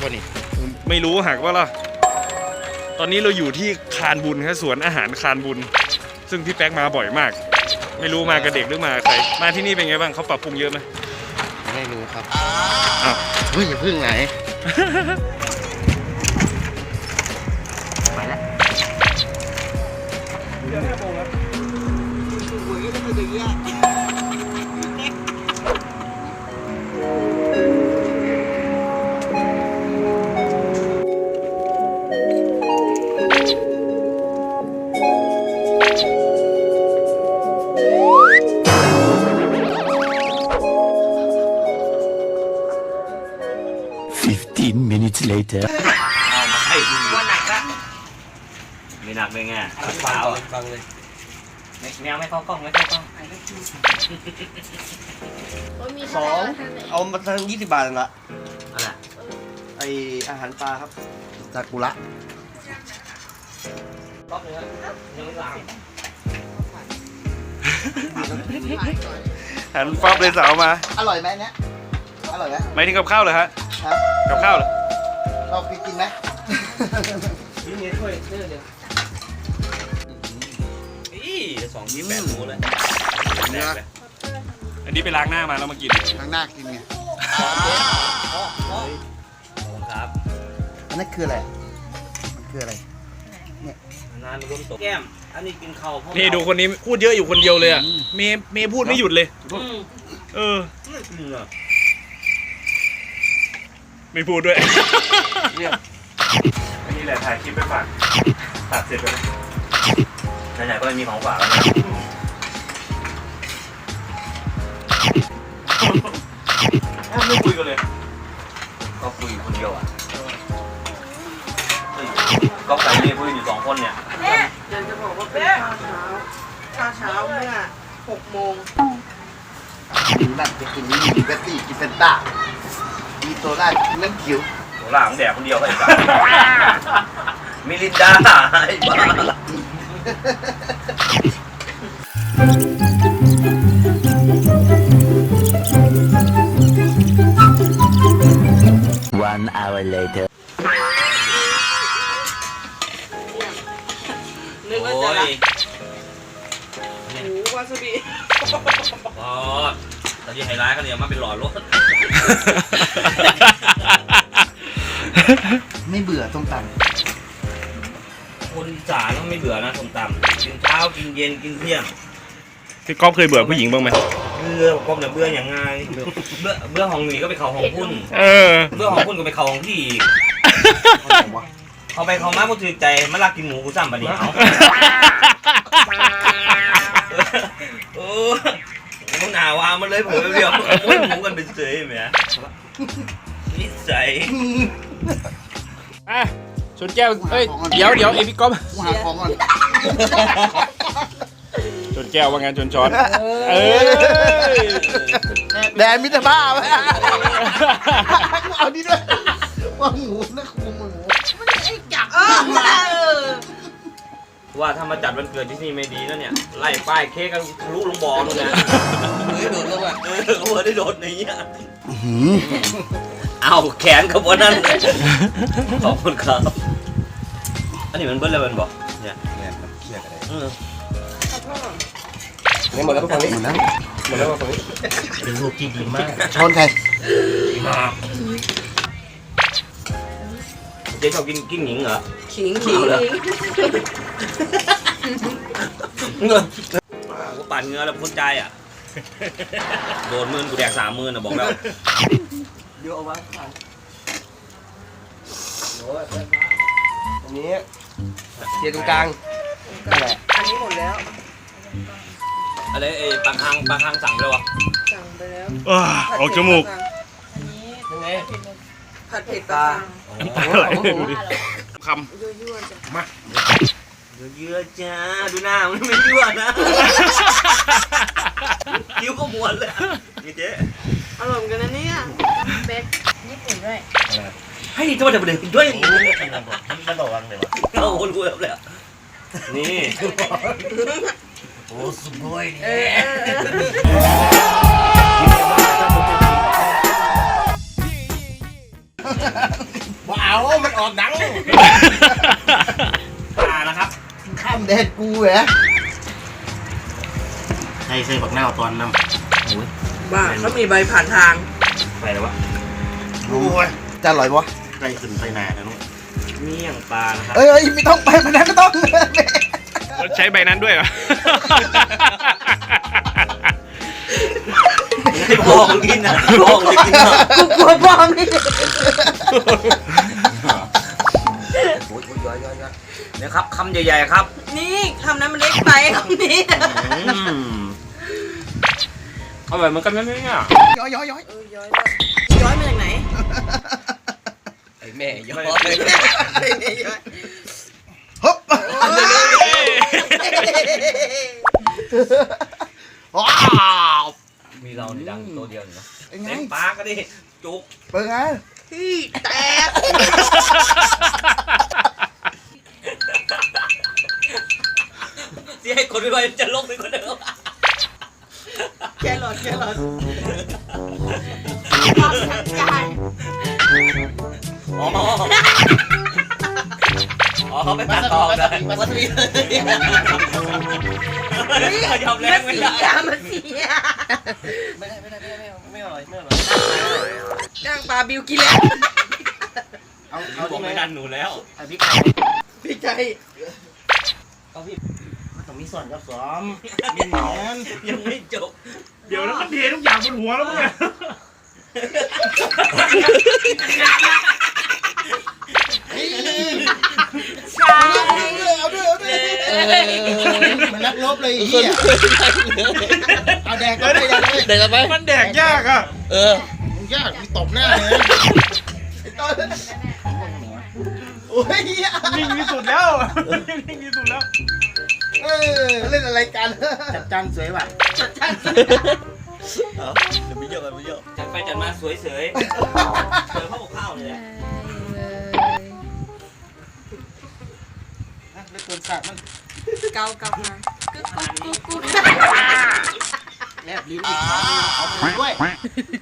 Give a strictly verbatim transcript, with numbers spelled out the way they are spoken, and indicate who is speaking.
Speaker 1: วะนี่
Speaker 2: ไม่รู้หักว่าล่ะตอนนี้เราอยู่ที่คานบุญครับสวนอาหารคานบุญซึ่งพี่แป๊กมาบ่อยมากไม่รู้มากับเด็กหรือมาใครมาที่นี่เป็นไงบ้างเขาปรับปรุงเยอะไหม
Speaker 1: ไม่รู้ครับ
Speaker 2: อ้าว
Speaker 1: เฮ้ยอย่าพึ่งไหนไปแล้ว
Speaker 3: fifteen minutes later
Speaker 4: เอามาให้ดูว่าหนักละไม่หนักเลยไงเปล่าฟังเลยแมวไม่เข้ากล้องไม่เข้ากล้อง
Speaker 5: สองเอามาทั้งยี่สิบบาทละ
Speaker 4: อะไร
Speaker 5: ไออาหารปลาครับซากุระ
Speaker 4: รอบนึงครับยังไม่ล้าง
Speaker 2: หันปั๊บเลยสาวมา
Speaker 5: อร่อยไหมเนี้ยอร่อยไหม
Speaker 2: ไม่ถึงกับข้าวเลยฮะ
Speaker 5: ฮะ
Speaker 2: กับข้าวเหรอ
Speaker 5: เรากินกินไหม
Speaker 4: นี่เนี่ยช่วยเชื่อเดียวอีสองยี่แปดหมูเลยแดกเลย
Speaker 2: อันนี้ไปล้างหน้ามาแล้วมากิน
Speaker 5: ข้างหน้ากินไง
Speaker 4: ครับ
Speaker 5: อันนั้นคืออะไรมันคืออะไร
Speaker 4: นานรวมตกแก้มอันนี้กินข้าว
Speaker 2: นี่ดูคนนี้พูดเยอะอยู่คนเดียวเลยอ่ะเมย์เมย์พูดไม่หยุดเลย เออ
Speaker 4: ไม่กินอ่ะ
Speaker 2: ไม่พูดด้วย อันนี้แหละถ่ายคลิปไปฝากตัดเสร็จแล้ว
Speaker 4: ไหนๆก็มีของฝากแล้วนะ
Speaker 2: ไม่คุยกันเลย
Speaker 4: ก็คุยคนเดียวอ่ะก็ใส่นี่คุยอยู่สองคนเนี่ย
Speaker 6: อยากจะบอกว่าเป็นข้าวเช้าข้าวเช้าเมื่อหกโมง
Speaker 5: นั่นจะกินนี่มีเบตตี้กินเฟนต้ามีโซดากินน้ำเขียว
Speaker 4: โหล่าของแดกคนเดียวไอ้สัสมิลินดาไอ้บ้า
Speaker 3: one hour later
Speaker 6: นึกว่า
Speaker 4: โอ้
Speaker 6: จะละ
Speaker 4: ย
Speaker 6: หมูวาซาบิ
Speaker 4: อ๋อตอนที่ไฮไลท์เขาเนี่ยมาเป็นหลอดรถ
Speaker 5: ไม่เบื่อส้มตำ
Speaker 4: คนอีสานต้องไม่เบื่อนะส้มตำกินเช้ากินเย็นกินเที่ยง
Speaker 2: พี่ก๊อฟเคยเบื่อผู้หญิงบ้างไหม
Speaker 4: เบื่อกบเนี่ยเบื่ออย่างไงเบื่อเบื่อห้องหนีก็ไปเข้าห้องพุ่น
Speaker 2: เออ
Speaker 4: เบื่อห้องพุ่นก็ไปเข้าห้องพี่อีกเขาไปเขามาบ่ถือใจมาลักกินหมูกูซ้ำปะเนี่ยเอาโอ้โหหนาวามันเลยเผื่อเดียวโอ้ยหมูกันเป็นเสยไหมนิสัย
Speaker 2: อ่ะชนแก้วเอ้ยเดี๋ยวเดี๋ยวเอพี่ก๊อฟ
Speaker 5: กูหาของก่อน
Speaker 2: ชนแก้วว่างานชนช้อนเออ
Speaker 5: แดนมิตรภาพเอาดิด้วยว่าหมูนะครูหมู
Speaker 6: ไอ้จับเออ
Speaker 4: ว่าถ้ามาจัดวันเกิดที่นี่ไม่ดีแล้วเนี่ยไล่ป้ายเค้กกันทะลุลงบ่อนู่นนะเฮ้ยโดดลงอ่ะเออหัวได้โดดในนี้เอาแขนกับวันนั้นขอบคุณครับอันนี้มันเบิ้ลแล้วมันบอกเนี่ยเนี่ยเคียกอะไรเออ
Speaker 5: นี่หมดแล้วฝั่งนี้หมดแล้วหมดแล้วฝั่งนี้
Speaker 4: เป็นรูปที่ดีมาก
Speaker 5: ช้อนใคร
Speaker 4: ดีมากเจ๊ชอบกินกินหญิงเหรอ
Speaker 6: ขิงขิง
Speaker 4: เงินกูปั่นเงินแล้วพ้นใจอ่ะโดนหมื่นกูแดกสามหมื่นอ่ะบอกแล้ว
Speaker 5: เดี๋ยวเอาไว้ข้างอันนี้เทียนตรงกลางนั่นแหละ
Speaker 6: อันนี้หมดแล้ว
Speaker 4: อะไรไอ้ปลาคังปลาคังสั่งไปแล้ววะ
Speaker 6: สั่งไปแล้ว
Speaker 2: อ้าออกจมูก
Speaker 5: ยังไง
Speaker 6: ผัดเผ็ดปลา
Speaker 2: อะไรค
Speaker 6: ยั่วๆจ้ะ
Speaker 2: ำมา
Speaker 4: เยอะจ้าดูหน้ามันไม่ยั่วนะคิ้วก็ม้วนเลยนี่เจ๊
Speaker 6: อร่อยเหมือนกันนะเนี่ย
Speaker 7: เป็ดญี่ปุ่นด้วย
Speaker 4: ให้ทำไมเด็กเด็กด้วย
Speaker 5: มันระวังเลยวะ
Speaker 4: เอาคนกูแล้วเลยนี่
Speaker 5: โอ้สุดย
Speaker 6: เออ
Speaker 5: ออกหนัง
Speaker 4: อ่านะครับ
Speaker 5: ข้ามแดนกูเหรอ
Speaker 1: ใส่ใส่บักหน้าตอนน้ำ
Speaker 6: บ้าเขามีใบผ่านทาง
Speaker 4: ไปแล้ววะ
Speaker 5: โอ้ยจะอร่อยวะ
Speaker 1: ใส่ขึ้นใส่หนาแล้วนุ๊ก
Speaker 4: เมี่ยงปลานะครับ
Speaker 5: เอ้ยเอ้ยไม่ต้องไปมันนั้นไม่ต้อง
Speaker 2: ใช้ใบนั้นด้วยเหรอ
Speaker 4: ให้พ่อมึงกินนะพ่อมึงจะกินนะ
Speaker 6: กูกลัวพ่อนี่
Speaker 5: โอ้ยโอ้ยย้อยย้อยย้อย
Speaker 4: เนี่ยครับคำใหญ่ๆครับ
Speaker 6: นี่คำนั้นมันเล็กไปคำนี้
Speaker 4: อร่อยเหมือนกันนะเนี่ย
Speaker 5: ย้อยย้อยย้อย
Speaker 6: เออย้อยแบบย้อยมาจากไหน
Speaker 4: ไอ้แม่ย้อย
Speaker 6: ย้อย
Speaker 5: ฮึบว้าว
Speaker 4: มีเราในดังตัวเดียวเนาะ
Speaker 5: เป็นไง
Speaker 4: เล่นปลาก็ดิจุก
Speaker 5: เป็นไง
Speaker 6: พี่แตก
Speaker 4: ที่ให้คนไปไปจะลงไปคนเดิม
Speaker 6: แกหลอดแกหลอด
Speaker 7: ความชัดใจ
Speaker 4: อ๋ออ๋อเขาไปตัดต่อเลยวัตถุดิบยอมแรงไม่
Speaker 6: เสี
Speaker 4: ได้
Speaker 6: ยมันเสีย
Speaker 4: ไม่ได้ไม่ได้ไม่ได้ไม่อร่อยไม่อร่อย
Speaker 6: จ้างปลาบิวกินแล้ว
Speaker 5: เอา
Speaker 4: เขา
Speaker 5: เอา
Speaker 4: บอกไม่ดันหนูแล้ว
Speaker 5: เอาพริกไทย
Speaker 6: พี่ใจ
Speaker 4: เอาพี่
Speaker 5: มันต้องมีส่วนกับซ้อมมีเหมือน
Speaker 4: ยังไม่จบ
Speaker 2: เดี๋ยวแล้วมันเททุกอย่างบนหัวแล้วมึงเนี่ย
Speaker 6: ใช่
Speaker 5: เอาด้วยเอาด้วยเหมือนนักรบเลยไอ้เหี้ยเอาแดกก็ได้แดกเลย
Speaker 1: เด็กกันไหม
Speaker 2: มันแดกยากอ่ะ
Speaker 1: เออ
Speaker 5: มึงยากมีตบหน้าเลยนะไอ้ต้นโอ้ยเหี้ย
Speaker 2: นิ่งที่สุดแล้ว นิ่งที่สุดแล้ว
Speaker 5: เออเล่นอะไรกันจัดจานสวยว่ะ
Speaker 4: เดี๋ยวไม่เยอะไม่เยอะจัดไปจัดมาสวยเสยเจอข้าวข้าวเลยแหละ
Speaker 5: เล่นตัวสัตว์มัน
Speaker 6: เกาเกามากุ๊กกุ๊กกุ๊กกุ๊ก
Speaker 5: แลบลิ้นอีกเอาไปด้วย